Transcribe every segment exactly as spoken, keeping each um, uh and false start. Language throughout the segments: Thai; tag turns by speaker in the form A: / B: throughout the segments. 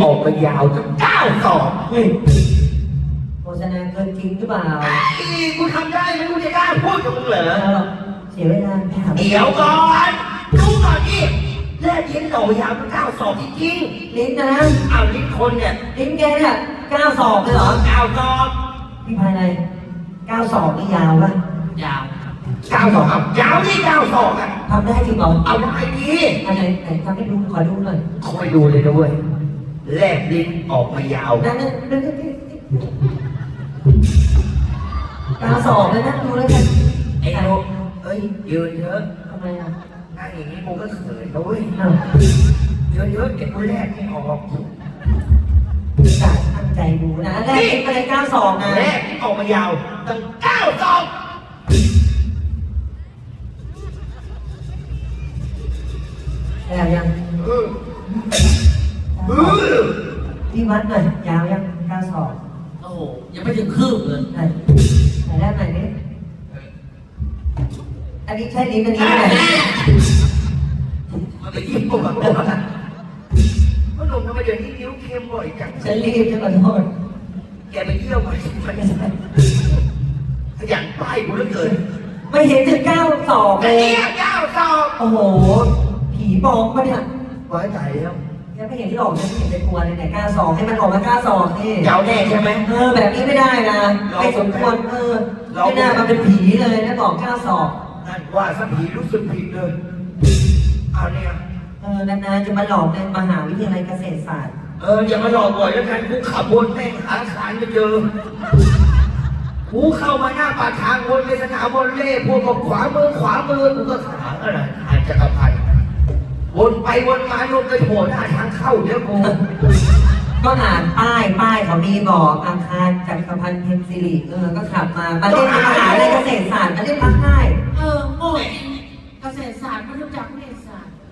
A: ออกมายาวจนเก้าศอกเฮ้ย
B: โฆษณาเกินจริงหรือเปล่า
A: อีกูทำได้ไหมกูจะกล้าพูดกับมึงเหรอ
B: เสียเวลาไปหา
A: เดี๋ยวก่อนดูก่อนดิแลกลิ้นออกมายาวจนเก้าศอกจริง
B: ๆลิ้นนะ
A: อ้าวลิ้นคนเนี่ย
B: ลิ้นแกเนี่ยเก้าศอกเลยเหรอ
A: เก้าศอก
B: พี่ภายในเก้าศอกนี่ยาวปะ
A: ยาวเก้าศอกครับยาวที่เก้าศอกอ่ะ
B: ทำได้จริงเหรอ
A: เอาได้ดี
B: อะไรไหนทำให้ดูขอดูหน่อย
A: คอยดูเลยด้วยแลบลิ้นออกมายาว
B: นั่นนั่นนั่นเก้าศอกเลยนะดูแล้วกัน
A: ไอ้โน้เอ้ยยืนเยอะ
B: ทำไมอ่ะ
A: นั่งอย่างนี้กูก็เขินด้วยเยอะเยอะเก็บกูแลบไม่ออก
B: กะตั้งใจดูนะแลบลิ้นอะไรเก้าศอกนะ
A: แลบลิ้นออกมายาวตั้งเก้าศอก
B: แล้วยัง
A: เออเออ
B: พี่วัดหน่อยยาวยังเก้าศอก
C: โอ้โหยังไม่ถึงคืบเลย
B: ไหนไหนแรกไหนนี่อันนี้ใช่ลิ้นอันนี้ไหน
A: มันไปยิ้มกูแบบว่าหนุ่มทำไมเดี๋ยวนี้นิ้วเค็มบ่อยจัง
B: ฉันรีบจะขอโทษ
A: แกไปเที่ยวมาไม่ใช่ขยันไปกูเหลือเกิน
B: ไม่เห็นถึงเก้าศอกเลย
A: เก้าศอก
B: โอ้โหผีบอกปะเนี่ย
A: ไว้ใจแล้ว
B: ยังไม่เห็นที่ออกยังไม่เห็นเป็นตัวเลยแต่เก้าศอกให้มันออกมาเก้าศอกนี่
A: ยาวแน่ใช่ไหม
B: เออแบบนี้ไม่ได้นะไม่สมควรเออไม่น่ามาเป็นผีเลยนะบอกเก้าศอก
A: นั่นว่าสักผีรู้สึกผิดเลยเอาเนี่ย
B: เออนานๆจะมาหลอกในมหาวิทยาลัยเกษตรศาสตร์
A: เอออย่ามาหลอกบ่อยแล้วกันกูขับวนแม่งหาสารไม่เจอกูเข้ามาหน้าปากทางวนไปสนามบอลเล่พวกกับขวามือขวามือกูก็ขาอะไรอาจจะกระพันวนไปวนมาลงไปโผล่หน้าทางเข้าเดี๋ยวกู
B: ก็อ่านป้ายป้ายเขามีบอกอาคารจักรพันธ์เพนซิลิเออก็ขับมามาเล่นมหาวิทยาลัยเกษตรศาสตร์มาเล่นพักได้
C: เออโง่จริงเกษตรศาสตร์ไม่รู้จักเกษตรศาสตร์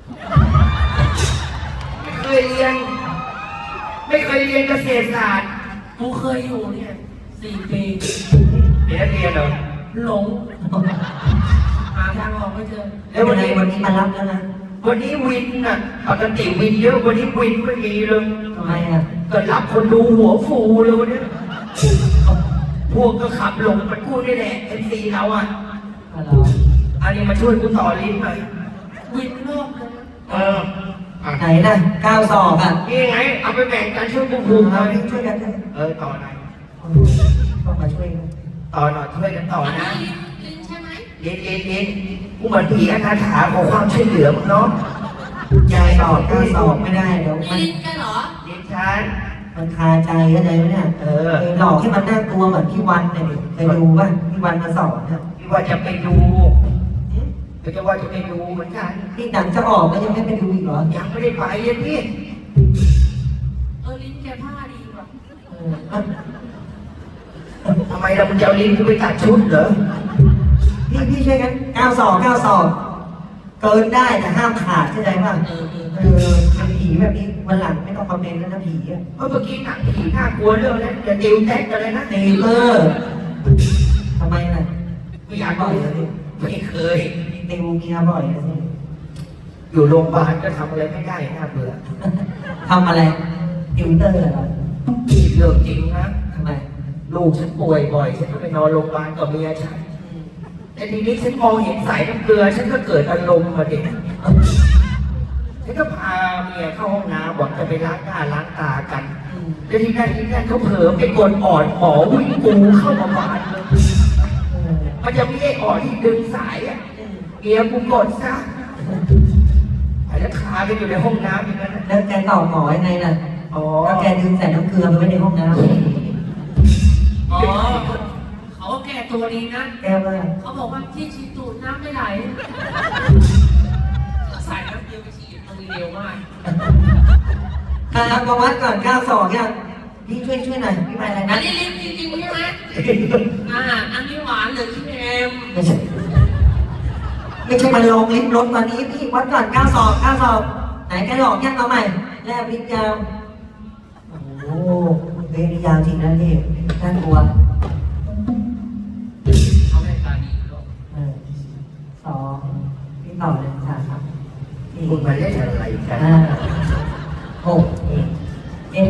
A: ไม่เคยเรียนไม่เคยเรียนเกษตรศาสตร์
C: กูเคยอยู่เนี่ยสี่ปี
A: เรียนเรียนเหรอ
C: หลงหาทางออกไม่เจอ
B: แล้ววันนี้วันนี้มารับแล้วนะ
A: วันนี้วินน่ะปกติวินเยอะวันนี้วินไม่มีเลย
B: ทำไมอ่ะ
A: ก็รับคนดูหัวฟูเลยวันนี้พวกก็ขับหลงมันกูนี่แหละเอ็นซีเราอ่ะอันนี้มาช่วยกูต่อลิ้นหน่อย
C: วินรอบเลย
A: เออ
B: ไหนนะเก้าศอกอ่ะ
A: นี่ไงเอาไปแบ่งกันช่วยกูภูมิ
B: เอาช่วยกัน
A: เออต่อหน่อย
B: ต้องมาช่วยกัน
A: ต่อหน่อยช่วยกันต่อนะ
C: ลิ้นใช่ไหม
A: ลิ้นลิ้นลิ้นกูเหมือนผีอนาถาขอความช่วยเหลือมึงเนาะ
B: ยายตอบเก้าศอกไม่ได้เดี๋ยว
C: มันลิ้นกันเหรอ
A: ลิ้นฉัน
B: มันคาใจเข้าใจไหมเนี่ยเออหลอกให้มันน่ากลัวเหมือนพี่วันเนี่ยไปดูป่ะพี่วันมาสอนนะ
A: พี่ว่าจะไปดูก็จะว่าจะไปดูเหมือนกัน
B: พี่หนังจะออกก็ยังไม่ไปดูอีกเหรอ
A: ยังไม่ได้ไปยังพี่
C: เออลิ้นแกผ้าดีกว่า
A: ทำไมเราจะเอาลิ้นกูไปตัดชุดเหรอ
B: พี่พี่ช่วยกันเก้าศอกเก้าศอกเกินได้แต่ห้ามขาดเข้าใจป่ะเออเออเป็นผีแบบนี้วันหลังไม่ต้องคอมเมนต์แล้วนะผีอ่ะ
A: เมื่อกี้หนังผีน่ากลัวเรื่องนั้นจะติวแท็กกันเลยนะ
B: ติวเออทำไมล่ะ
A: ไม่อยากบ่อยเลยไม่เคย
B: ติวเมียบ่อยนะสิ
A: อยู่โรงพยาบาลก็ทำอะไรไม่ได้น่าเบื่อ
B: ทำอะไรติวเตอร์เหรอ
A: เรื่องจริงนะ
B: ทำไม
A: ลูกฉันป่วยบ่อยฉันก็ไปนอนโรงพยาบาลกับเมียฉันแต่ทีนี้ฉันมองเห็นสายน้ำเกลือฉันก็เกิดอารมณ์มาเด็กฉันก็พาเมียเข้าห้องน้ำบอกจะไปล้างหน้าล้างตากันแล้วทีนั้นทีนั้นเขาเผลอไปกดอ่อนหมอวิ่งปูเข้ามาบ้านเลยมันจะมีไอ้อ่อนที่ดึงสายอ่ะเมียกูกดซะแล้วคาไปอยู่ในห้องน้ำอย่างนั้น
B: แล้วแกตอบหมอยังไงล่ะอ๋อแล้วแกดึงใส่น้ำเกลือไปไว้ในห้องน้ำ
C: อ๋อเขาแก้ตัวดีนะ
B: แกว่า
C: เขาบอกว่าที่ฉีดตูดน้ำไม่ไหลใส่น้ำเดียวไปฉีดมันเร็วมาก
B: อ่ามาวัดก่อนเก้าศอกเนี่ยพี่ช่วยช่วยหน่อยพี่ไปอะไร
C: นะอันนี้ลิ้นจริงๆใช่ไหมอ่าอันนี้หวานหรือขี้เค็ม
B: ไม่ใช่ไม่ใช่มันลงลิ้นรถตอนนี้พี่วัดก่อนเก้าศอกเก้าศอกไหนแกหลอกยังเอาใหม่แลบลิ้นยาวโอ้เฮ้ยยาวจริงนะนี่น่ากลัว
C: เขาให้ตาดีด้วย
B: สองพี่ต่อเลยสาม
A: คุณมาเล่นอะไรกัน
B: หกเอ็ด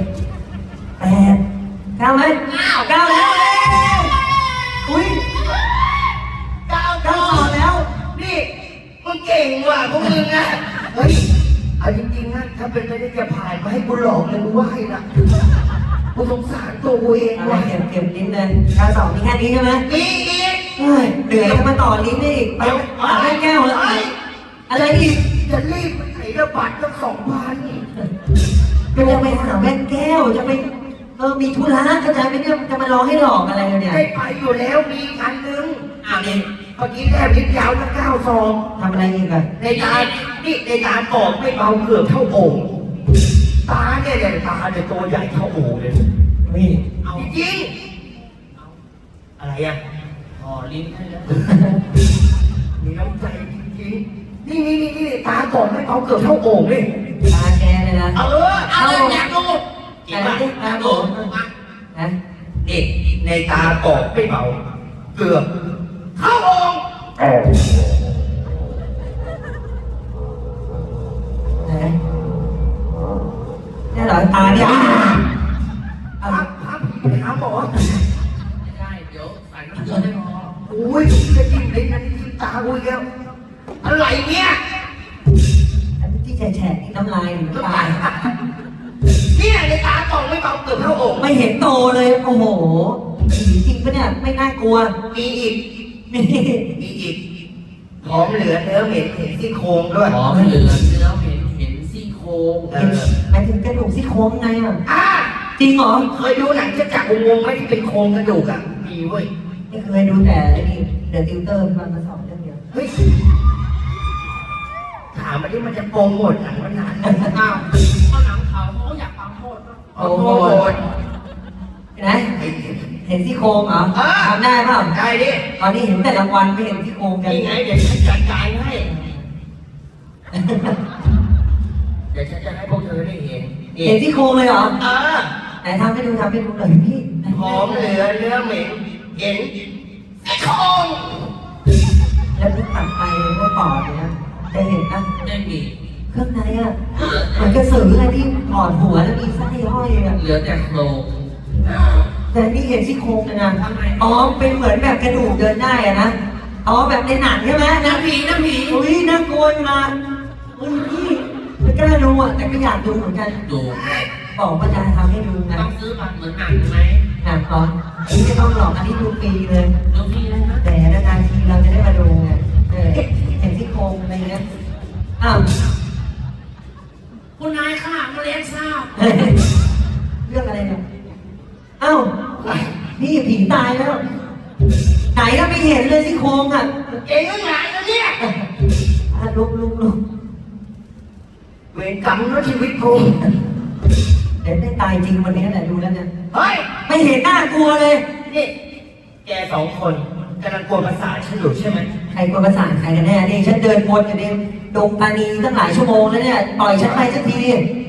B: เก้าไหม
C: เก้า
B: เก้าแล้วเอ้ยอุ้ย
A: เก้า
B: เก้าสอบแล้ว
A: นี่มึงเก่งว่ะพวกมึงอ่ะเฮ้ยเอาจริงๆนะถ้าเป็นไปได้จะผ่านมาให้กูหลอกเลยกูไหวนะกูสงสารตัวกูเอง
B: อะไร
A: ว่ะ
B: เก็บเก็บลิ้นเลยเก้าสอบมีแค่นี้ใช่ไหม
A: มีอีก
B: เฮ้ยเหนื่อยจะมาต่อลิ้นได้อีกไปหาแม่แก้วแล้วอะไรอีก
A: จะรีบไปไหนระบาดตั้งสองพัน
B: ก็จะไปหาแม่แก้วจะไปเออมีธุระเข้าใจไหมเนี่ยจะมารอให้หลอกอะไรเนี่ย
A: ได้ไปอยู่แล้วมีอันนึง
C: อ้าวนี่
A: เมื่อกี้แค่พิษยาวตั้งเก้าซอง
B: ทำอะไรอีกอะ
A: ในตานี่ในตาปอกไม่เบาเกือบเท่าโอ่งตาเนี่ยเนี่ยตาเนี่ยตัวใหญ่เท่าโอ่งเลยนี่
C: เอา
A: จริงๆอะไรอ่ะ
C: พอลิ้นให้แล้ว
A: มีน้ำใจจริงๆนี่นี่นี่นี่ตาปอกไม่เบาเกือบเท่าโอ่งเลย
B: ตาแกเลยนะ
A: เออ
C: เอาเลยอยากดูจริงป่ะ
B: แต่
C: อยาก
B: ไม่
C: ดู
B: ได้
C: มา
B: นะ
A: นี่ในตาปอกไม่เบาเกือบเท่าโอ่ง
B: ไหนเนี่ยเหรอตาเนี่ย
A: พาพาผีไปหาหมอ
C: ไม่ได้เดี๋ยวใส่น้ำเกลือได้พอ
A: โอ้ยจะจิ้มลิ้นนะนี่จิ้มตากูอีกแล้วอะไรเนี่ย
B: อันที่แฉะๆนี่น้ำลายหรือน้ำตา
A: เนี่ยในตาปอกไม่เบาเกือบเท่าโอ่ง
B: ไม่เห็นโตเลยโอ้โหผีจริงปะเนี่ยไม่น่ากลัว
A: มีอีก
B: นี่
A: มีอีกหอมเหลือเนื้อเหม็นเห็นซี่โครงด้วย
C: หอมเหลือเนื้อเห็นเห็นซี่โครง
A: เอ
B: เห็น
A: อ
B: หมายถึงกระดูกซี่โครงไงอ่ะ
A: อ่ะ
B: จริงเหรอ
A: เคยดูหนังจะจักรวงศ์ไหมที่เป็นโครงกระดูกอ่ะมีเว้ย
B: ไม่เคยดูแต่ไอ้นี่เดอะติวเตอร์มันมาสอนเรื่องเดียว
A: เฮ้ยถามมาที่มันจะโปรโมทหนังมันนาน
C: อ้าวเพราะหนังเขาเขาก็อยากฟังโทษ
A: โปรโมท
B: เห็นไหมเห็นซี่โครงเหรอทำได้เปล่า
A: ได้ดิ
B: ตอนนี้เห็นแต่รางวัลไม่เห็นซี่โครงกัน
A: นี่ไงเดี๋ยวฉันจัดการให้เดี๋ยวฉันจะให้พวกเธอได้เห็นนี่
B: เห็นซี่โครงเลยเหรอ
A: เออ
B: ไหนทำให้ดูทำให้ดูหน่อยพี่
A: หอมเหลือเนื้อเหม็นเห็นซี่โครง
B: แล้วพี่ตัดไปก็ปอดเลยนะจะเห็นนะ
C: ได้มี
B: เครื่องในอ่ะเหมือนกระสืออะไรที่ถอดหัวแล้วมีไส้ห้อยอ่ะ
C: เหลือแต่โครง
B: แต่นี่เห็นซี่โครงเลยนะอ๋อเป็นเหมือนแบบกระดูกเดินได้อะนะอ๋อแบบในหนังใช่ไหมนะ
C: น้ำผีน้ำผี
B: อุ้ยน่ากลัวอยู่นะอุ้ยพี่ไม่กล้าดูอ่ะแต่ก็อยากดูเหมือนกัน
C: ดู
B: บอกว่าจะทำให้ดูนะ
C: ต้องซื้อบัตรเหมือนหนังไหม
B: หนังก่อนอันนี้ไม่ต้องหรอกอันนี้ดูฟรีเลย
C: ดูพี่เลยนะ
B: แต่นานๆทีเราจะได้มาดูไงเออเห็นซี่โครงอะไรเงี้ยอ้าว
C: คุณนายค่ะมาเลี้ยงทราบ
B: เฮ้ยเรื่องอะไรเนี่ยอ้าวนี่ผีตายแล้ว ไหนก็ไม่เห็นเลยซี่โครงอ่ะ
A: เก่งยังไงนะเนี่ย
B: อ่ะลุกลุกลุก
A: เวรกรรมแล้วชีวิตกู
B: เดี๋ยวได้ตายจริงวันนี้แหละดูแล้วเนี่ย
A: เฮ้ย
B: ไม่เห็นน่ากลัวเลย
A: นี่ แกสองคนกำลังกวนประสาทฉันอยู่ใช่ไหม
B: ใครกลัวประสาทใครกันแน่นี่ฉันเดินวนอยู่ในดงปานีตั้งหลายชั่วโมงแล้วเนี่ยปล่อยฉันไปสักทีดิ